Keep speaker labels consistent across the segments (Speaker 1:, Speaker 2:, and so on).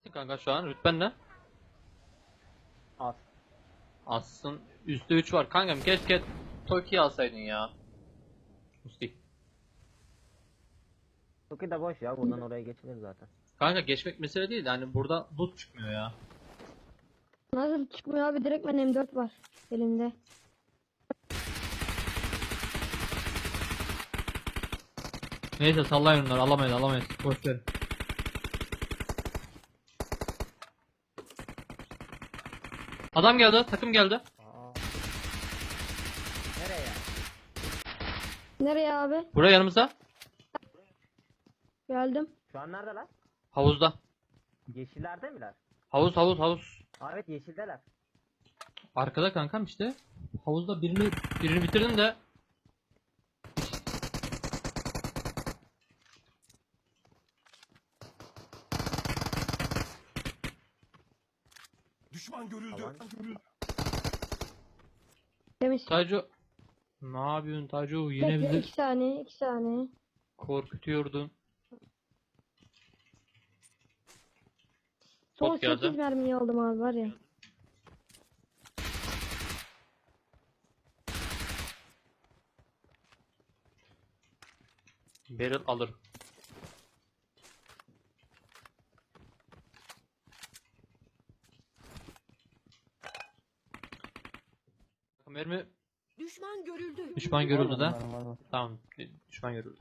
Speaker 1: Kanka şu an rütben ne?
Speaker 2: Az.
Speaker 1: Assın üstte 3 var. Kankam keşke Toki'yi alsaydın ya. Musti.
Speaker 2: Toki de boş ya, buradan oraya geçilir zaten.
Speaker 1: Kanka geçmek mesele değil. Yani burada loot çıkmıyor ya.
Speaker 3: Nasıl çıkmıyor abi, direkt ben M4 var elimde.
Speaker 1: Neyse sallayın onları, alamayız boş verin. Adam geldi, takım geldi.
Speaker 2: Aa. Nereye?
Speaker 3: Nereye abi?
Speaker 1: Buraya yanımıza.
Speaker 3: Geldim.
Speaker 2: Şu an neredeler?
Speaker 1: Havuzda.
Speaker 2: Yeşillerde miler?
Speaker 1: Havuz.
Speaker 2: Aa, evet, yeşildeler.
Speaker 1: Arkada kankam işte. Havuzda birini bitirdim de.
Speaker 4: Düşman görüldü.
Speaker 2: Tamam.
Speaker 3: Demiş.
Speaker 1: Taco. Ne yapıyorsun Taco? Yine
Speaker 3: Bekle,
Speaker 1: bizi
Speaker 3: 2 saniye 2 saniye.
Speaker 1: korkutuyordun.
Speaker 3: Son
Speaker 1: Bot geldi.
Speaker 3: 8 mermiyi aldım abi, var ya.
Speaker 1: Barrel alır. Mermi
Speaker 5: Düşman görüldü.
Speaker 1: düşman görüldü de. Tamam, düşman görüldü.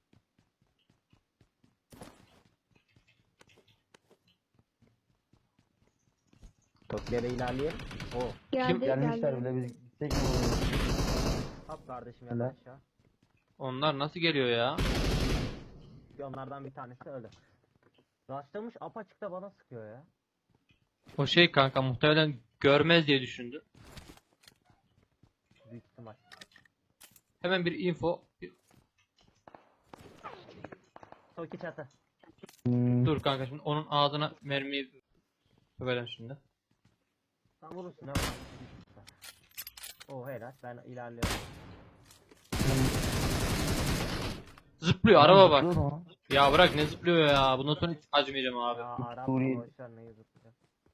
Speaker 2: Toki'ye ilerleyelim. Oo.
Speaker 3: Geldi
Speaker 6: Gelmişler
Speaker 3: geldi.
Speaker 6: bile, biz gitsek mi olur?
Speaker 2: Hop kardeşim, yalan aşağı.
Speaker 1: Onlar nasıl geliyor ya?
Speaker 2: Onlardan bir tanesi öldü. Rastlamış, apaçıkta bana sıkıyor ya.
Speaker 1: O şey kanka muhtemelen görmez diye düşündü.
Speaker 2: Büyük ihtimal.
Speaker 1: Hemen bir info.
Speaker 2: Toki çatı.
Speaker 1: Dur kanka şimdi onun ağzına mermiyi verelim şimdi.
Speaker 2: Sen vurursun, ne var? Oo, helal, ben ilerliyorum.
Speaker 1: Zıplıyor araba bak.
Speaker 6: Zıplıyor mu?
Speaker 1: Ya bırak ne zıplıyor ya. Bundan sonra hiç acımayacağım abi.
Speaker 2: Ya Arap
Speaker 6: Suriye.
Speaker 2: boşver, neyi zıplayacak.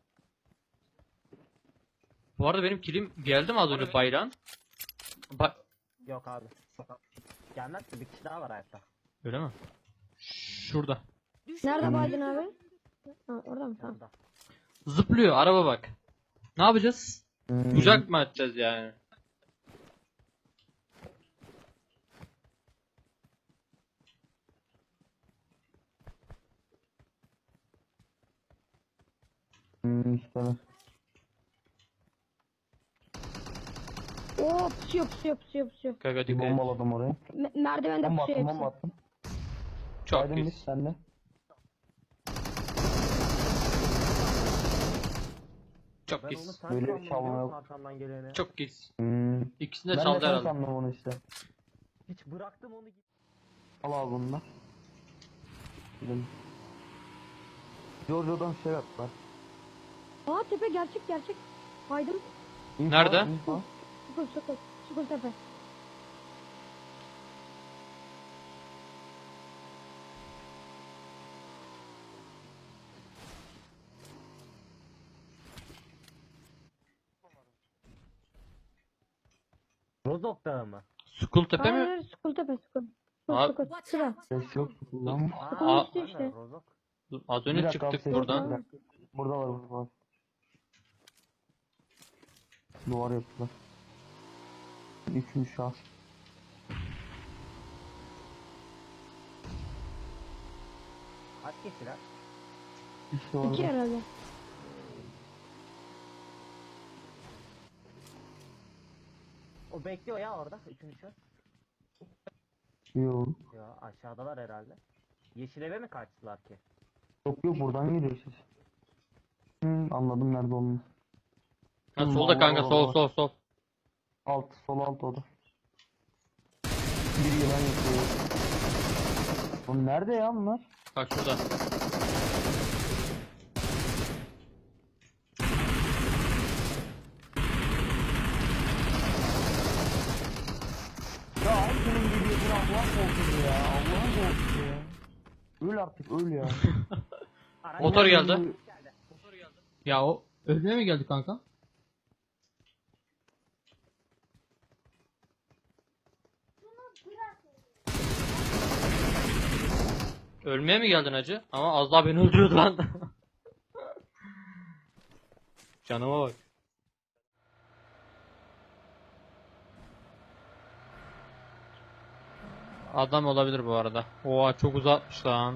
Speaker 1: Bu arada benim kilim geldi mi az önce bayrağın?
Speaker 2: Yok abi. Gelmez ki, bir kişi daha var hayatta.
Speaker 1: Öyle mi? Şurada.
Speaker 5: Düşman
Speaker 3: Nerede baydın
Speaker 5: görüldü.
Speaker 3: abi? Ha, orada mı? Tamam.
Speaker 2: Yanında.
Speaker 1: Zıplıyor araba bak. Ne yapacağız? Kucak mı atacağız yani?
Speaker 6: İşte.
Speaker 3: Oo, pusuyor.
Speaker 1: Kanka
Speaker 6: Bir
Speaker 1: dikkat et.
Speaker 6: bombaladım orayı.
Speaker 3: Merdivende
Speaker 6: Bomba
Speaker 3: pusuyor
Speaker 6: attım, bomba
Speaker 3: hepsi.
Speaker 6: attım.
Speaker 1: Çok
Speaker 6: Aydın
Speaker 1: pis.
Speaker 6: biz senle.
Speaker 1: Çok
Speaker 2: Ben onu
Speaker 1: pis.
Speaker 2: sen
Speaker 6: Böyle
Speaker 2: sandım,
Speaker 6: çalma
Speaker 2: biliyor musun
Speaker 6: yok.
Speaker 2: arkamdan geleni?
Speaker 1: Çok pis. İkisini de
Speaker 6: Ben de
Speaker 1: çaldı
Speaker 6: sen
Speaker 1: herhalde.
Speaker 6: sandım onu işte.
Speaker 2: Hiç bıraktım onu.
Speaker 6: Al abi bunu da. Gidelim. Giorgio'dan şey yaptılar.
Speaker 3: Aa, tepe gerçek. Baydım.
Speaker 6: İnfa,
Speaker 1: Nerede?
Speaker 6: infa.
Speaker 3: Çukur tepe.
Speaker 2: Rozok Dağı mı?
Speaker 1: Skull tepe mi?
Speaker 3: Hayır, Çukur tepe.
Speaker 1: Abi-
Speaker 3: Çukur.
Speaker 5: Watch
Speaker 3: Şura.
Speaker 5: out.
Speaker 6: Ses yok. Lan.
Speaker 3: Çukurun üstü
Speaker 2: aynen,
Speaker 3: işte.
Speaker 2: Rozok.
Speaker 1: Dur, az
Speaker 6: Bir
Speaker 1: önce
Speaker 6: dakika abi,
Speaker 1: çıktık
Speaker 6: ses
Speaker 1: buradan.
Speaker 6: yok, bir dakika. Burada var, burada var. Duvar yaptılar. Üçüncü şahs.
Speaker 2: Kaç kişiler?
Speaker 6: İşte orada.
Speaker 3: 2 herhalde.
Speaker 2: O bekliyor ya orada, üçüncü.
Speaker 6: Yok.
Speaker 2: Ya aşağıdalar herhalde. Yeşil eve mi kaçtılar ki?
Speaker 6: Yok buradan geliyor ses. Anladım nerede olduğunu.
Speaker 1: Ha, solda kanka sol.
Speaker 6: Sol alt oda. Bir yılan yapıyor. Oğlum nerede ya bunlar?
Speaker 1: Bak şurada.
Speaker 6: Ya senin gibi bir Allah'ın korkusu ya. Allah'ın korkusu ya. Öl artık öl ya.
Speaker 2: Araç
Speaker 1: Motor geldi.
Speaker 2: geldi.
Speaker 1: Ya o ölmeye mi geldi kanka? Ölmeye mi geldin hacı? Ama az daha beni öldürüyordu lan. Canıma bak. Adam olabilir bu arada. Oha çok uzatmış lan.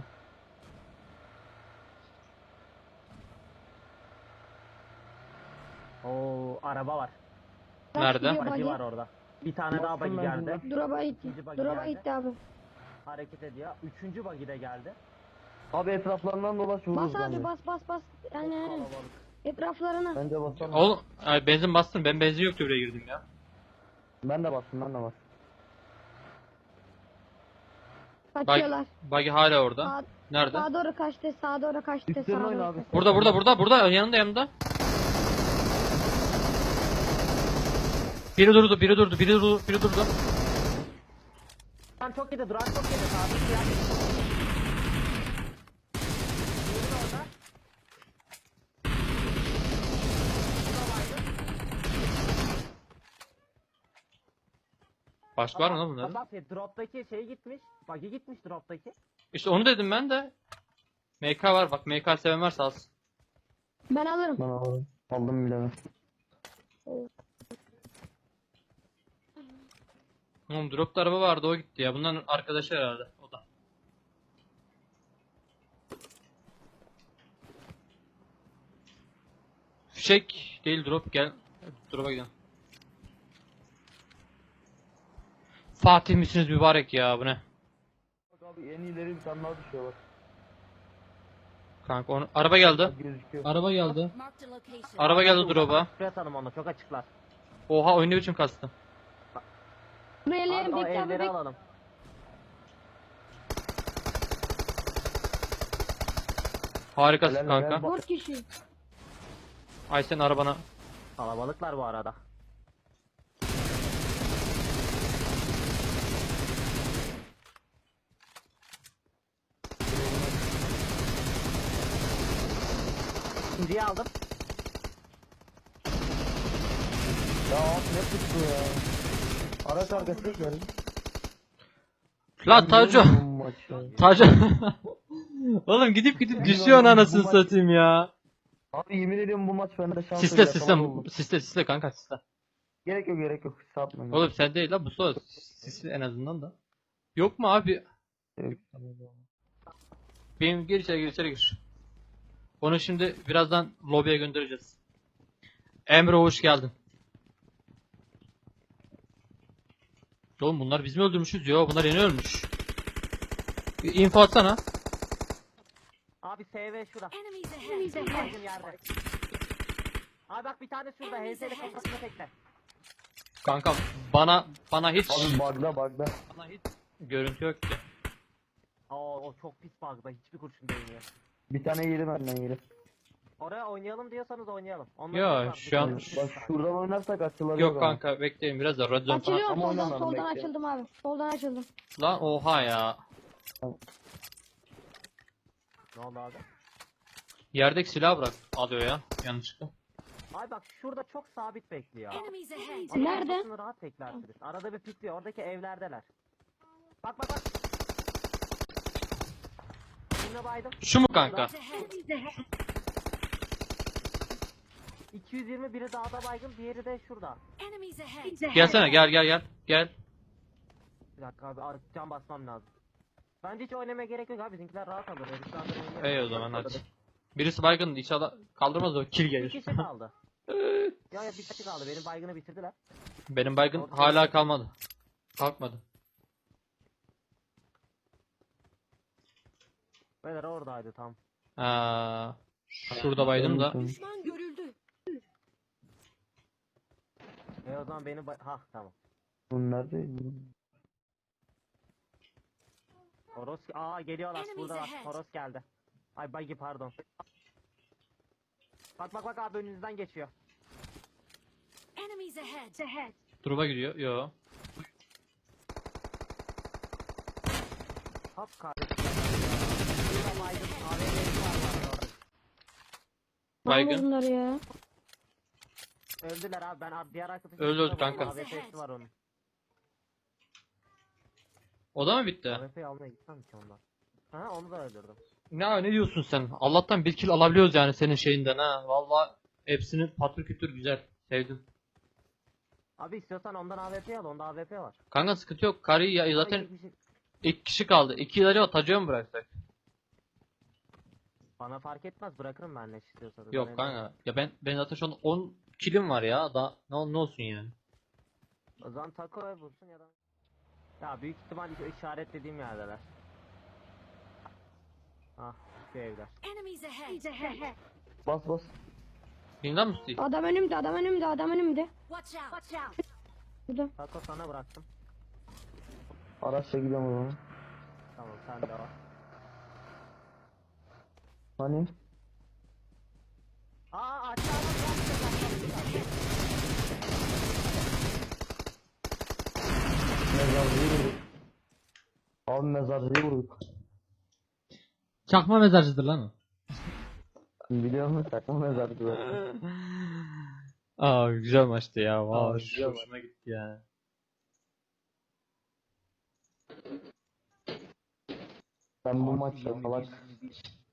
Speaker 2: Oo, araba var.
Speaker 1: Nerede?
Speaker 3: gidiyor
Speaker 2: Buggy
Speaker 3: buggy.
Speaker 2: var orada. Bir tane daha
Speaker 6: Bastım
Speaker 2: buggy
Speaker 6: ben
Speaker 2: geldi.
Speaker 6: buna.
Speaker 3: Drop'a gitti.
Speaker 2: İkinci buggy
Speaker 3: Drop'a
Speaker 2: geldi.
Speaker 3: gitti abi.
Speaker 2: Hareket ediyor. Üçüncü buggy de geldi.
Speaker 6: Abi etraflarından dolaş vururuz
Speaker 3: Bas abi
Speaker 6: bence.
Speaker 3: bas. Yani
Speaker 2: Çok kalabalık.
Speaker 3: etraflarına.
Speaker 6: Bence basalım.
Speaker 1: Oğlum ay, benzin bastım. Ben benzin yoktu buraya girdim ya.
Speaker 6: Ben de bastım.
Speaker 3: Kaçıyorlar.
Speaker 1: Buggy hala orada.
Speaker 3: Sağ,
Speaker 1: Nerede?
Speaker 3: sağa doğru kaçtı. Sağa doğru kaçtı.
Speaker 6: Üstlerine
Speaker 3: sağa
Speaker 6: oyna
Speaker 3: doğru
Speaker 6: abi.
Speaker 3: kaçtı.
Speaker 1: Burada yanında. Biri durdu.
Speaker 2: Duran çok yedi. Duran çok yedi. Sabit ya. Diğeri de orada.
Speaker 1: Başka var mı lan bunların?
Speaker 2: Bak drop'taki şey gitmiş. Buggy gitmiş drop'taki.
Speaker 1: İşte onu dedim ben de. MK var bak, MK seven varsa alsın.
Speaker 3: Ben alırım.
Speaker 6: Ben aldım. Aldım bile ben.
Speaker 1: Oğlum dropta araba vardı, o gitti ya. Bunların arkadaşı herhalde o da. Fişek değil, drop, gel. Drop'a gidelim. Fatih misiniz mübarek ya, bu ne?
Speaker 6: Bak abi en ileri bir tane daha düşüyor bak.
Speaker 1: Kanka onu araba geldi.
Speaker 6: Bak gözüküyor.
Speaker 1: Araba geldi.
Speaker 5: Marked a location.
Speaker 1: Araba geldi drop'a.
Speaker 2: Şuraya atalım onu. Çok açıklar.
Speaker 1: Oha, oyun ne biçim kastı.
Speaker 3: Buraya
Speaker 2: Abi
Speaker 3: ellerim
Speaker 2: o
Speaker 3: bekle abi
Speaker 2: evleri
Speaker 3: bekle.
Speaker 2: alalım.
Speaker 1: Harikasın
Speaker 6: Helal,
Speaker 1: kanka.
Speaker 6: helal.
Speaker 3: 4 kişi.
Speaker 1: Ay sen arabana.
Speaker 2: Kalabalıklar bu arada. İkinciyi aldım.
Speaker 6: Ya abi ne tuttu ya. Araç arkasına geldi.
Speaker 1: Lan Taco.
Speaker 6: Bu maç ya.
Speaker 1: Taco. Oğlum gidip düşüyor anasını
Speaker 6: Bu maç-
Speaker 1: satayım ya.
Speaker 6: Abi yemin ediyorum bu maç bende şans
Speaker 1: Siste
Speaker 6: yok, yapamaz oldum.
Speaker 1: siste kanka siste.
Speaker 6: Gerek yok. Satmayın.
Speaker 1: Oğlum sen değil la, bu soru sisli en azından da. Yok mu abi?
Speaker 6: Yok.
Speaker 1: Benim gir içeri gir. Onu şimdi birazdan lobiye göndereceğiz. Emre hoş geldin. Oğlum bunlar biz mi öldürmüşüz? Yo, bunlar yeni ölmüş. Bir info atsana.
Speaker 2: Abi SV şurada.
Speaker 5: Enemies ahead.
Speaker 2: Baygın yerde. Abi bak bir tane şurada. HS'li kafasına tekle.
Speaker 1: Kanka bana hiç
Speaker 6: Abi bug'da.
Speaker 1: bana hiç görüntü yok ki.
Speaker 2: Oo, o çok pis bug'da. Hiçbir kurşun değmiyor.
Speaker 6: Bir tane yedi benden yedi.
Speaker 2: Oraya oynayalım diyorsanız oynayalım. Ondan
Speaker 1: Yo,
Speaker 2: sonra
Speaker 1: şu an-
Speaker 6: Bak şuradan oynarsak açılabilir.
Speaker 1: Yok kanka, bekleyin biraz da Radzone falan.
Speaker 3: Açılıyorum
Speaker 6: Ama
Speaker 3: soldan
Speaker 6: oynamadım,
Speaker 3: soldan
Speaker 6: bekle.
Speaker 3: açıldım abi. Soldan açıldım.
Speaker 1: Lan oha ya.
Speaker 2: Ne oldu abi?
Speaker 1: Yerdeki silah bırak. Alıyor ya yanlışlıkla.
Speaker 2: Abi bak şurada çok sabit bekliyor.
Speaker 5: Enemies ahead.
Speaker 2: Ama
Speaker 3: Nerede?
Speaker 2: kafasını rahat beklersiniz. Arada bir pikliyor. Oradaki evlerdeler. Bak. Yine baydım.
Speaker 1: Şu mu kanka?
Speaker 5: Ahead.
Speaker 2: 220 biri dağda baygın, diğeri de şurada.
Speaker 5: Enemies ahead.
Speaker 1: Gelsene, gel.
Speaker 2: Bir dakika abi, can basmam lazım. Bence hiç oynamaya gerek yok abi, bizimkiler rahat alır. Heriflerden oynayalım.
Speaker 1: İyi o zaman hadi. Birisi baygın, inşallah kaldırmaz o, kill
Speaker 2: Bir
Speaker 1: gelir.
Speaker 2: kişi kaldı. Ya bir kişi kaldı, benim baygını bitirdiler.
Speaker 1: Benim baygın hala kalmadı. Kalkmadı.
Speaker 2: Beyler oradaydı tam.
Speaker 1: Şurada baydım da.
Speaker 5: Düşman görüldü.
Speaker 2: O zaman benim ha tamam.
Speaker 6: Bu nerede?
Speaker 2: Toros geliyorlar, burada var. Toros geldi. Ay buggy pardon. Bak abi önünüzden geçiyor.
Speaker 5: Enemies ahead.
Speaker 1: Drop'a gidiyor. Yo.
Speaker 2: Hop kardeşim. Burada baygın AVM'si var orada.
Speaker 1: Baygın.
Speaker 3: Bunlar ya.
Speaker 2: Öldüler abi, ben diğer arkadaşım.
Speaker 1: Öldü kanka.
Speaker 2: AWP'si var onun.
Speaker 1: O da mı bitti?
Speaker 2: AWP'yi almaya gitsem ki ondan. Ha, onu da öldürdüm.
Speaker 1: Ne diyorsun sen? Allah'tan bir kill alabiliyoruz yani senin şeyinden ha. Valla hepsini patır kütür güzel. Sevdim.
Speaker 2: Abi istiyorsan ondan AWP al, onda AWP var.
Speaker 1: Kanka sıkıntı yok. Karıyı ya
Speaker 2: Ama
Speaker 1: zaten
Speaker 2: iki kişi-
Speaker 1: iki kişi kaldı. İki ileri atacağım mı bıraksak?
Speaker 2: Bana fark etmez, bırakırım ben ne istiyorsanız.
Speaker 1: Yok
Speaker 2: Ben-
Speaker 1: kanka. Ya ben zaten şu an 10 killim var ya. Daha ne olsun yani.
Speaker 2: O zaman taco vursun ya da... Ya büyük ihtimal işaretlediğim yerdeler. Ah, şu evler.
Speaker 5: Enemies ahead.
Speaker 6: Bas bas.
Speaker 1: Bilmem mi Steve?
Speaker 3: Adam önümde, adam önümde, adam önümde.
Speaker 5: Watch out.
Speaker 3: Burada.
Speaker 2: Taco sana bıraktım.
Speaker 6: Araçla gidiyorum o zaman.
Speaker 2: Tamam, sen de var.
Speaker 6: Hani?
Speaker 2: Aşağıda
Speaker 6: Mezarcıyı vurduk. Abi mezarcıyı vurduk.
Speaker 4: Çakma mezarcıdır lan o.
Speaker 6: Biliyor musun? Takma mezarcı.
Speaker 1: Aa güzel maçtı ya.
Speaker 6: Aa,
Speaker 1: Vallahi
Speaker 6: güzel
Speaker 1: hoşuma gitti yani.
Speaker 6: Ben bu maçta salak